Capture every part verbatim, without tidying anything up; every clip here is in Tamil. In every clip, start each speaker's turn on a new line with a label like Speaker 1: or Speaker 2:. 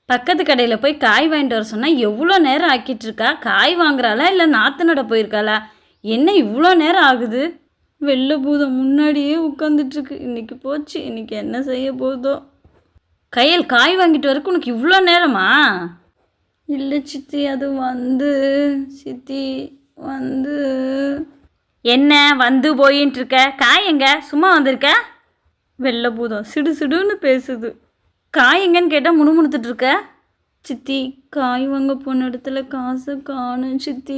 Speaker 1: பக்கத்து கடையில் போய் காய் வாங்கிட்டு வர சொன்னால் எவ்வளோ நேரம் ஆக்கிட்டு இருக்கா? காய் வாங்குறாளா இல்லை நாற்று நட போயிருக்காளா? என்ன இவ்வளோ நேரம் ஆகுது? வெள்ளை பூதம் முன்னாடியே உட்காந்துட்ருக்கு. இன்றைக்கி போச்சு, இன்றைக்கி என்ன செய்ய போதோ. கையல், காய் வாங்கிட்டு வரக்கு உனக்கு இவ்வளோ நேரமா? இல்லை சித்தி, அது வந்து சித்தி வந்து என்ன வந்து போயின்ட்டு இருக்க? காய் எங்க? சும்மா வந்திருக்க? வெள்ளை பூதம் சிடு சிடுன்னு பேசுது. காய் எங்கன்னு கேட்டால் முணுமுணுத்துட்டு இருக்க. சித்தி, காய் வாங்க போன இடத்துல காசை காணும் சித்தி.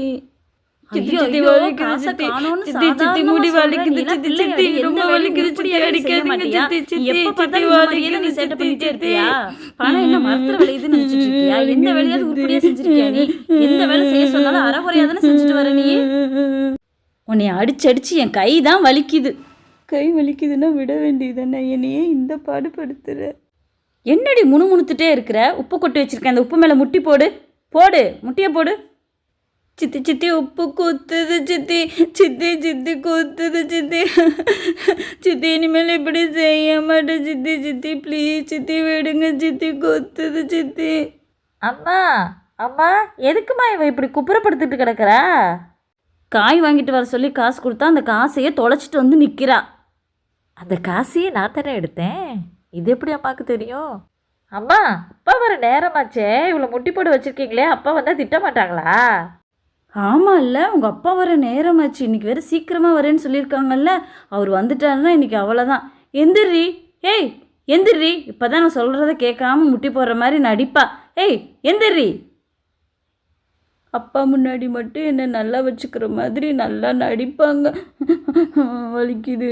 Speaker 1: உன்னை அடிச்சு அடிச்சு என் கை தான் வலிக்குது. கை வலிக்குதுன்னா விட வேண்டியதுதானே, என்னையே இந்த பாடுபடுத்துற. என்னடி முணுமுணுத்துட்டே இருக்கிற? உப்பு கொட்டி வச்சிருக்கேன், அந்த உப்பு மேலே முட்டி போடு. போடு, முட்டியை போடு. சித்தி சித்தி உப்பு குத்துது சித்தி, சித்தி சித்தி குத்துது சித்தி, சித்தி இனிமேல் இப்படி செய்ய மாட்டேன் சித்தி, சித்தி ப்ளீஸ் சித்தி விடுங்க சித்தி, குத்துது சித்தி. அம்மா அம்மா, எதுக்குமா இவ இப்படி குப்புறப்படுத்திட்டு கிடக்குறா? காய் வாங்கிட்டு வர சொல்லி காசு கொடுத்தா அந்த காசையே தொலைச்சிட்டு வந்து நிற்கிறா.
Speaker 2: அந்த காசையே நான் தானே எடுத்தேன், இது எப்படி அம்மாவுக்கு தெரியும்? அம்மா, அப்பா வர நேரமாச்சே, இவ்வளோ முட்டி போட்டு வச்சுருக்கீங்களே, அப்பா வந்தால் திட்ட மாட்டாங்களா?
Speaker 1: ஆமாம் இல்லை, உங்கள் அப்பா வர நேரமாச்சு, இன்றைக்கி வேறு சீக்கிரமாக வரேன்னு சொல்லியிருக்காங்கல்ல. அவர் வந்துட்டாருன்னா இன்றைக்கி அவ்வளோதான். எந்திரி, ஏய் எந்திரி. இப்போ தான் நான் சொல்கிறத கேட்காம முட்டி போடுற மாதிரி நடிப்பா. ஏய் எந்திரி. அப்பா முன்னாடி மட்டும் என்னை நல்லா வச்சுக்கிற மாதிரி நல்லா நடிப்பாங்க. வலிக்குது.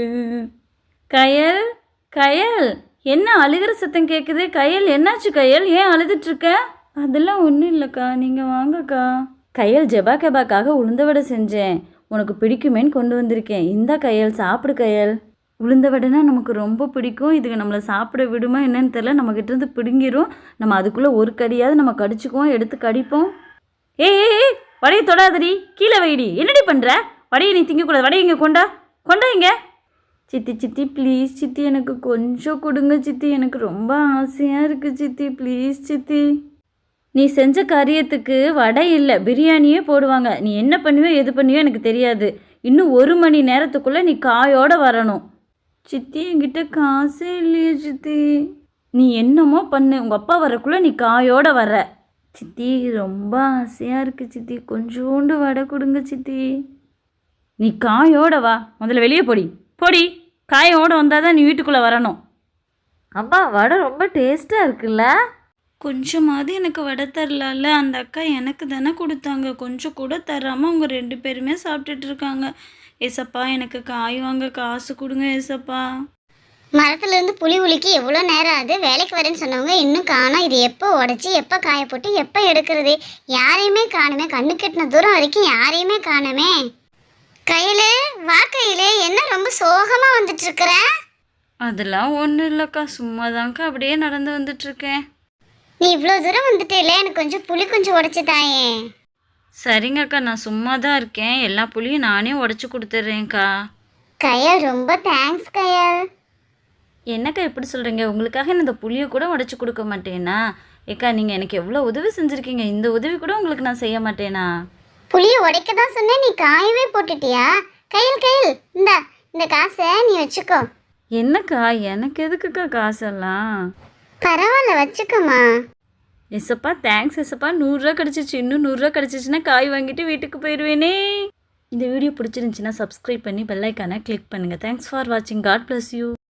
Speaker 1: கயல், கயல், என்ன அழுகிற சத்தம் கேட்குது? கயல், என்னாச்சு கயல்? ஏன் அழுதுட்ருக்க? அதெல்லாம் ஒன்றும் இல்லைக்கா, நீங்கள் வாங்கக்கா. கயல், ஜெபா கெபாக்காக உளுந்த வடை செஞ்சேன், உனக்கு பிடிக்குமேன்னு கொண்டு வந்திருக்கேன். இந்த கயல் சாப்பிடு கயல். உளுந்த வடைனா நமக்கு ரொம்ப பிடிக்கும். இதுக்கு நம்மளை சாப்பிட விடுமா என்னன்னு தெரில, நம்மக்கிட்டேருந்து பிடுங்கிரும். நம்ம அதுக்குள்ளே ஒரு கடியாவது நம்ம கடிச்சுக்குவோம், எடுத்து கடிப்போம். ஏய் ஏய், வடையை தொடாதடி, கீழே வைடி. என்னடி பண்ணுற? வடையை நீ திங்கக்கூடாது. வடையை இங்கே கொண்டா, கொண்டா இங்கே. சித்தி சித்தி ப்ளீஸ் சித்தி, எனக்கு கொஞ்சம் கொடுங்க சித்தி, எனக்கு ரொம்ப ஆசையாக இருக்குது சித்தி, ப்ளீஸ் சித்தி. நீ செஞ்ச காரியத்துக்கு வடை இல்லை பிரியாணியே போடுவாங்க. நீ என்ன பண்ணுவியோ எது பண்ணுவியோ எனக்கு தெரியாது. இன்னும் ஒரு மணி நேரத்துக்குள்ளே நீ காயோடு வரணும். சித்தி, என்கிட்ட காசே இல்லையே சித்தி. நீ என்னமோ பண்ணு, உங்கள் அப்பா வரக்குள்ளே நீ காயோடு வர. சித்தி, ரொம்ப ஆசையாக இருக்குது சித்தி, கொஞ்சோண்டு வடை கொடுங்க சித்தி. நீ காயோட வா, முதல்ல வெளியே போடி போடி. காயோடு வந்தால் தான் நீ வீட்டுக்குள்ளே வரணும்.
Speaker 2: அம்மா, வடை ரொம்ப டேஸ்ட்டாக இருக்குல்ல?
Speaker 1: கொஞ்சமாவது எனக்கு வடை தரலாம்ல? அந்த அக்கா எனக்கு தானே கொடுத்தாங்க, கொஞ்சம் கூட தராமல் அவங்க ரெண்டு பேருமே சாப்பிட்டுட்டு இருக்காங்க. ஏசப்பா, எனக்கு காய் வாங்க காசு கொடுங்க ஏசப்பா.
Speaker 3: மரத்துலேருந்து புளி உலுக்கி எவ்வளோ நேரம் ஆகுது? வேலைக்கு வரேன்னு சொன்னவங்க இன்னும் காணோம். இது எப்போ உடச்சி எப்போ காய போட்டு எப்போ எடுக்கிறது? யாரையுமே காணுமே, கண்ணு கெட்டின தூரம் வரைக்கும் யாரையுமே காணுமே. கையிலே வா, கையிலே, என்ன ரொம்ப சோகமாக வந்துட்டு இருக்கிற?
Speaker 1: அதெல்லாம் ஒன்றும் இல்லைக்கா, சும்மா தான்க்கா அப்படியே நடந்து வந்துட்டுருக்கேன்.
Speaker 3: நீ இவ்வளோ தூரம் வந்துட்டேல, எனக்கு கொஞ்சம் புளி கொஞ்சம் உடச்சி தாயே.
Speaker 1: சரிங்கக்கா, நான் சும்மா தான் இருக்கேன், எல்லா புளியும் நானே உடச்சி கொடுத்துட்றேன்க்கா.
Speaker 3: கயல், ரொம்ப தேங்க்ஸ் கயல்.
Speaker 1: என்னக்கா எப்படி சொல்கிறீங்க? உங்களுக்காக நான் இந்த புளியை கூட உடச்சி கொடுக்க மாட்டேனா? ஏக்கா, நீங்கள் எனக்கு எவ்வளோ உதவி செஞ்சுருக்கீங்க, இந்த உதவி கூட உங்களுக்கு நான் செய்ய மாட்டேனா?
Speaker 3: புளியை உடைக்க தான் சொன்னேன், நீ காயவே போட்டுட்டியா? கையில் கையில், இந்த இந்த காசை நீ வச்சுக்கோ.
Speaker 1: என்னக்கா, எனக்கு எதுக்குக்கா காசெல்லாம்?
Speaker 3: பரவாயில்ல, வச்சுக்கோமா.
Speaker 1: எஸ்ஸப்பா, தேங்க்ஸ் எஸ்ஸப்பா. நூறுரூவா கிடச்சிச்சு, இன்னும் நூறுரூவா கிடச்சிச்சின்னா காய் வாங்கிட்டு வீட்டுக்கு போயிடுவேனே. இந்த வீடியோ பிடிச்சிருந்துச்சின்னா சப்ஸ்கிரைப் பண்ணி பெல் ஐக்கானை கிளிக் பண்ணுங்கள். தேங்க்ஸ் ஃபார் வாட்சிங். God bless you.